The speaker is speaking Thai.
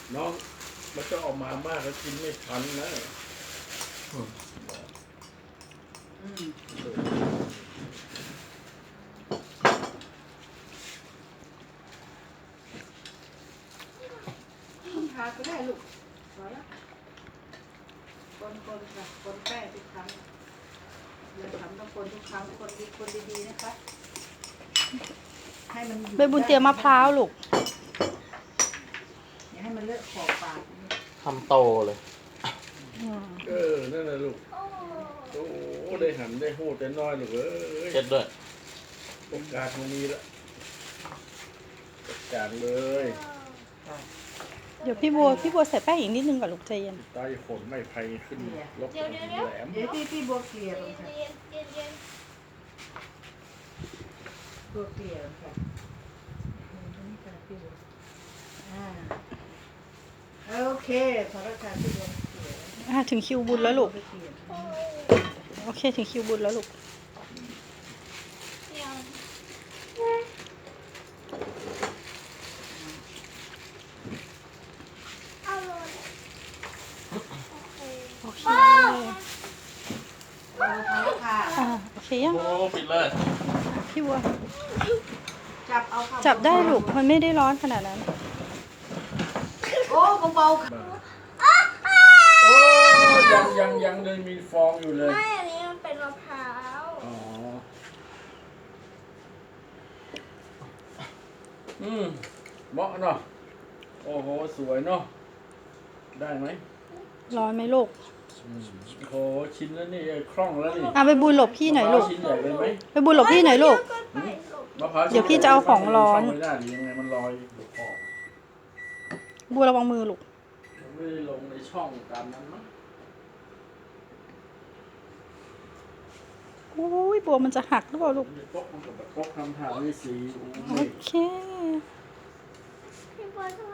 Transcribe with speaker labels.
Speaker 1: น้องมันจะออกมามากแล้วกินไม่ทันนะ
Speaker 2: ทาก็ได้ลูกพอแล้วคนค่ะคนแป้งทุกครั้งเราทำต้องคนทุกครั้งคนดีๆนะคะให้มัน
Speaker 3: ใบบุญเตรียมมะพร้าวลูก
Speaker 2: อย่าให้มันเลอะขอบปาก
Speaker 4: ทำโตเลย
Speaker 1: นั่นแหละลูกโอ้ได้หันได้หูดได้น้อยลูก
Speaker 4: เช็ดด้วย
Speaker 1: โอกาสมันมีละจัดการเลย
Speaker 3: เดี๋ยวพี่บัวใส่แป้งอีกนิดนึงก่อนลูกใจเย็น
Speaker 1: ใต้ฝนไม่ไผ่ขึ้นลบแหลม
Speaker 2: เดี๋ยวพี่บัวเกลี่ยลงค่ะบัวเกลี่ยลงค่ะโอเคพอแล้วค่ะพี่บัวเกลี่ย
Speaker 3: ถึงคิวบุญแล้วลูกโอเคถึงคิวบุญแล้วลูกโอเคโอเคยัง
Speaker 4: โอ้ปิดเลย
Speaker 3: พี่บัว
Speaker 2: เอา
Speaker 3: จับได้ลูกมันไม่ได้ร้อนขนาดนั้น
Speaker 2: โอ้เบาๆ
Speaker 1: โอ้ยังเลยมีฟองอยู่เลย
Speaker 5: ไม่อันนี้มันเป็นมะพร้าว
Speaker 1: อ๋อเหมาะเนาะโอ้โหสวยเนาะได้ไหม
Speaker 3: ร้อนไหมลูก
Speaker 1: โอ้โหชิ้นแล้วนี่คล่องแล้วนี่
Speaker 3: ไปบุญหลบพี่หน่อยลูก
Speaker 1: ชิ้นใหญ่เลยไหม
Speaker 3: ไปบุญหลบพี่หน่อยลูก
Speaker 1: มะพร้าว
Speaker 3: เดี๋ยวพี่จะเอาของร้อน
Speaker 1: ไม่ได้ดียังไงมันลอยอยู่ขอบ
Speaker 3: บัวระวังมือลูก
Speaker 1: ไม่ได้ลงในช่องตามนั้นมั้ง
Speaker 3: โอ้ยบัวมันจะหักหรือเปล่าลูก
Speaker 1: มันก็ทำทางนี่สี
Speaker 3: โอเค
Speaker 5: พี่บอย